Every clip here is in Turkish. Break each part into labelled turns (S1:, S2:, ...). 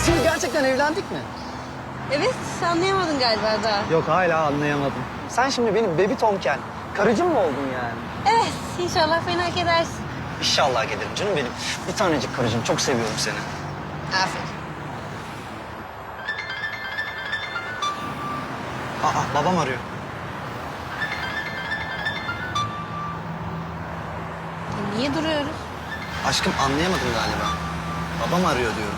S1: Biz şimdi gerçekten evlendik mi?
S2: Evet, anlayamadın galiba daha.
S1: Yok hala anlayamadım. Sen şimdi benim baby tonken karıcım mı oldun yani?
S2: Evet, inşallah fena edersin.
S1: İnşallah gelirim canım benim. Bir tanecik karıcığım. Çok seviyorum seni.
S2: Aferin.
S1: Babam arıyor.
S2: Niye duruyoruz?
S1: Aşkım anlayamadım galiba. Babam arıyor diyorum.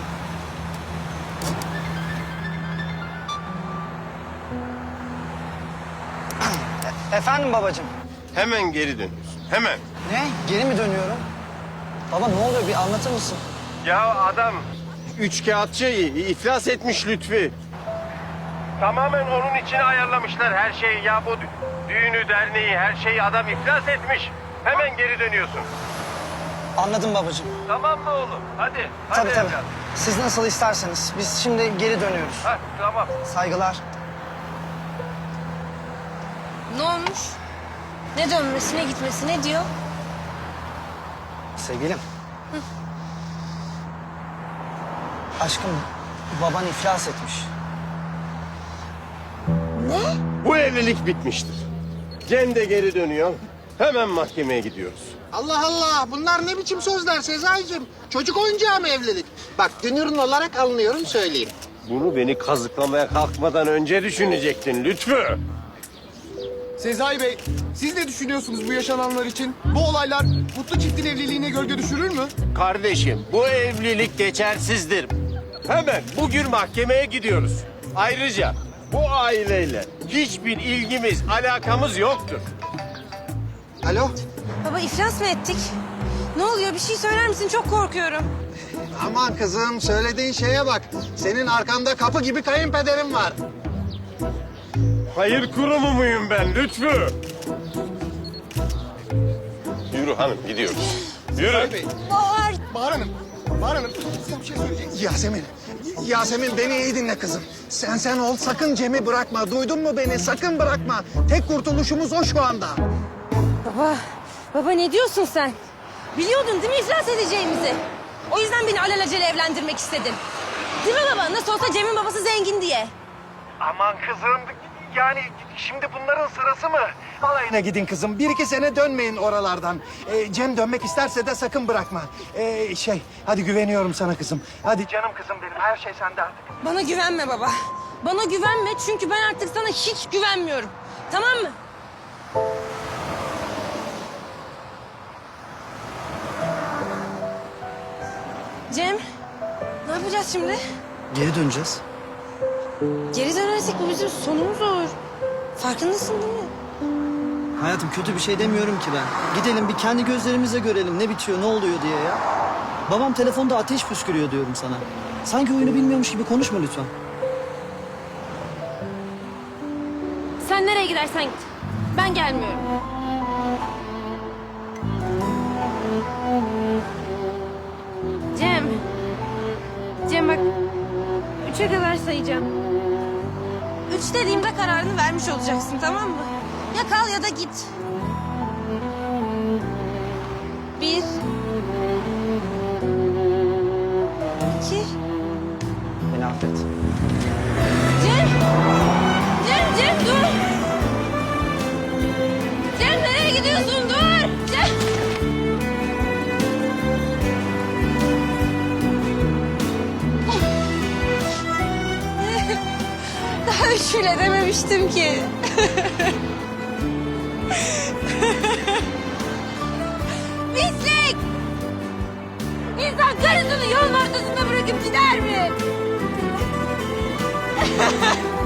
S1: Efendim babacığım.
S3: Hemen geri dönüyorsun. Hemen.
S1: Ne? Geri mi dönüyorum? Baba ne oluyor bir anlatır mısın?
S3: Ya adam üçkağıtçı iflas etmiş Lütfi. Tamamen onun için ayarlamışlar her şeyi. Ya bu düğünü, derneği, her şeyi adam iflas etmiş. Hemen geri dönüyorsun.
S1: Anladım babacığım.
S3: Tamam mı oğlum? Hadi.
S1: Tabii tabii.
S3: evlat.
S1: Siz nasıl isterseniz. Biz şimdi geri dönüyoruz.
S3: Ha, tamam.
S1: Saygılar.
S2: Ne olmuş? Ne dönmesi, ne gitmesi, ne diyor?
S1: Sevgilim. Aşkım baban iflas etmiş.
S2: Ne?
S3: Bu evlilik bitmiştir. Cem de geri dönüyor. Hemen mahkemeye gidiyoruz.
S4: Allah Allah, bunlar ne biçim sözler Sezai'cim? Çocuk oyuncağı mı evlilik? Bak dünürün olarak alınıyorum söyleyeyim.
S3: Bunu beni kazıklamaya kalkmadan önce düşünecektin Lütfü.
S5: Sezai Bey, siz ne düşünüyorsunuz bu yaşananlar için? Bu olaylar mutlu çiftin evliliğine gölge düşürür mü?
S3: Kardeşim, bu evlilik geçersizdir. Hemen bugün mahkemeye gidiyoruz. Ayrıca bu aileyle hiçbir ilgimiz, alakamız yoktur.
S4: Alo?
S2: Baba iflas mı ettik? Ne oluyor? Bir şey söyler misin? Çok korkuyorum.
S4: Aman kızım, söylediğin şeye bak. Senin arkanda kapı gibi kayınpederim var.
S3: Hayır kurumu muyum ben Lütfü? Yürü hanım, gidiyoruz. Yürü.
S2: Bahar.
S5: Bahar Hanım, size bir şey söyleyeceğim.
S4: Yasemin beni iyi dinle kızım. Sen ol, sakın Cem'i bırakma. Duydun mu beni? Sakın bırakma. Tek kurtuluşumuz o şu anda.
S2: Baba ne diyorsun sen? Biliyordun değil mi iflas edeceğimizi? O yüzden beni alelacele evlendirmek istedin. Değil mi baba? Nasıl olsa Cem'in babası zengin diye.
S4: Aman kızım, yani şimdi bunların sırası mı? Alayına gidin kızım. 1-2 sene dönmeyin oralardan. Cem dönmek isterse de sakın bırakma. Hadi güveniyorum sana kızım. Hadi canım kızım benim, her şey sende artık.
S2: Bana güvenme baba. Bana güvenme çünkü ben artık sana hiç güvenmiyorum. Tamam mı? Cem, ne yapacağız şimdi?
S1: Geri döneceğiz.
S2: Geri dönersek bu bizim sonumuz olur. Farkındasın değil mi?
S1: Hayatım kötü bir şey demiyorum ki ben. Gidelim bir kendi gözlerimizle görelim ne bitiyor ne oluyor diye ya. Babam telefonda ateş püskürüyor diyorum sana. Sanki oyunu bilmiyormuş gibi konuşma lütfen.
S2: Sen nereye gidersen git. Ben gelmiyorum. Cem. Cem bak. 3'e kadar sayacağım. 3 dediğimde kararını vermiş olacaksın tamam mı? Ya kal ya da git. 1 2
S1: Beni affet.
S2: Cem! Cem dur! Cem nereye gidiyorsun? Dur! Cem! Daha üç bile dememiştim ki. Pislik! İnsan karısını yolun ortasında bırakıp gider mi?